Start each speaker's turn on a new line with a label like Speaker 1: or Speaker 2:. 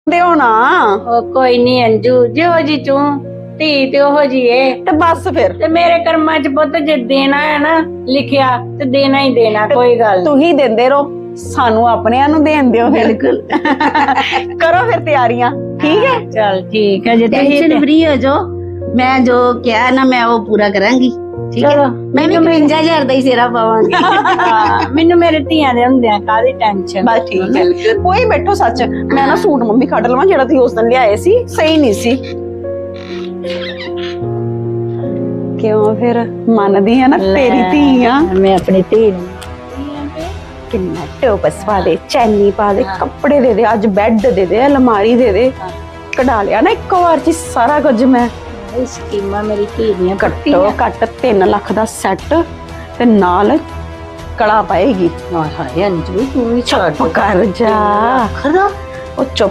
Speaker 1: ਦੇ ਹੋਣਾ
Speaker 2: ਉਹ ਕੋਈ ਨਹੀਂ ਅੰਜੂ ਜਿਹੋ ਜੀ ਤੂੰ ਧੀ ਤੇ ਉਹੋ ਜੀ ਏ
Speaker 1: ਤੇ ਬਸ ਫਿਰ
Speaker 2: ਤੇ ਮੇਰੇ ਕਰਮਾਂ ਚ ਪੁੱਤ ਜੇ ਦੇਣਾ ਹੈ ਨਾ ਲਿਖਿਆ ਤੇ ਦੇਣਾ ਹੀ ਦੇਣਾ, ਕੋਈ ਗੱਲ ਨੀ।
Speaker 1: ਤੂੰ ਹੀ ਦਿੰਦੇ ਰਹੋ, ਸਾਨੂੰ ਆਪਣਿਆਂ ਨੂੰ ਦੇਣ ਦਿਓ। ਬਿਲਕੁਲ ਕਰੋ ਫਿਰ ਤਿਆਰੀਆਂ, ਠੀਕ ਹੈ।
Speaker 2: ਚੱਲ ਠੀਕ ਹੈ, ਜੇ ਤੁਸੀਂ
Speaker 3: टेंशन फ्री हो जो, मैं जो क्या है ना मैं वो पूरा करांगी। ठीक है,
Speaker 2: चलो,
Speaker 3: मैं भी 52,000 ਦਾ ਹੀ ਸਿਰਾ ਪਾਵਾਂਗੀ।
Speaker 2: ਹਾਂ, ਮੈਨੂੰ ਮੇਰੇ ਧੀਆਂ ਦੇ ਹੁੰਦਿਆਂ ਕਾਹਦੀ ਟੈਨਸ਼ਨ।
Speaker 1: ਬਸ ਠੀਕ ਹੈ, ਕੋਈ ਬੈਠੋ। ਸੱਚ ਮੈਂ ਨਾ ਸੂਟ ਮੰਮੀ ਕੱਢ ਲਵਾਂ ਜਿਹੜਾ ਤੁਸੀਂ ਉਸ ਦਿਨ ਲਿਆਏ ਸੀ, ਸਹੀ ਨਹੀਂ ਸੀ। ਕਿਉਂ ਫਿਰ ਮੰਨਦੀ ਆ ਨਾ, ਤੇਰੀ ਧੀ ਆ।
Speaker 2: ਮੈਂ ਆਪਣੀ ਧੀ ਨੂੰ
Speaker 1: ਕਿੰਨਾ ਟੋਪਸ ਪਾ ਦੇ, ਚੈਨੀ ਪਾ ਦੇ, ਕੱਪੜੇ ਦੇ ਦੇ, ਅੱਜ ਬੈੱਡ ਦੇ ਦੇ, ਅਲਮਾਰੀ ਦੇ ਦੇ, ਕਢਾ ਲਿਆ ਨਾ ਇੱਕੋ ਵਾਰ ਚ ਸਾਰਾ ਕੁਝ। ਮੈਂ
Speaker 2: ਇਹ ਸਕੀਮਾਂ ਮੇਰੀ ਧੀ ਦੀਆਂ
Speaker 1: ਘੱਟੋ ਘੱਟ 3 ਲੱਖ ਦਾ ਸੈੱਟ ਤੇ ਨਾਲ ਕੜਾ ਪਾਏਗੀ।
Speaker 2: ਹਾਏ ਹਾਏ ਅੰਜੂ ਤੂੰ ਵੀ
Speaker 1: ਚੁੱਪ ਕਰ ਜਾ,
Speaker 2: ਖਰਾ
Speaker 1: ਉਹ ਚੁੱਪ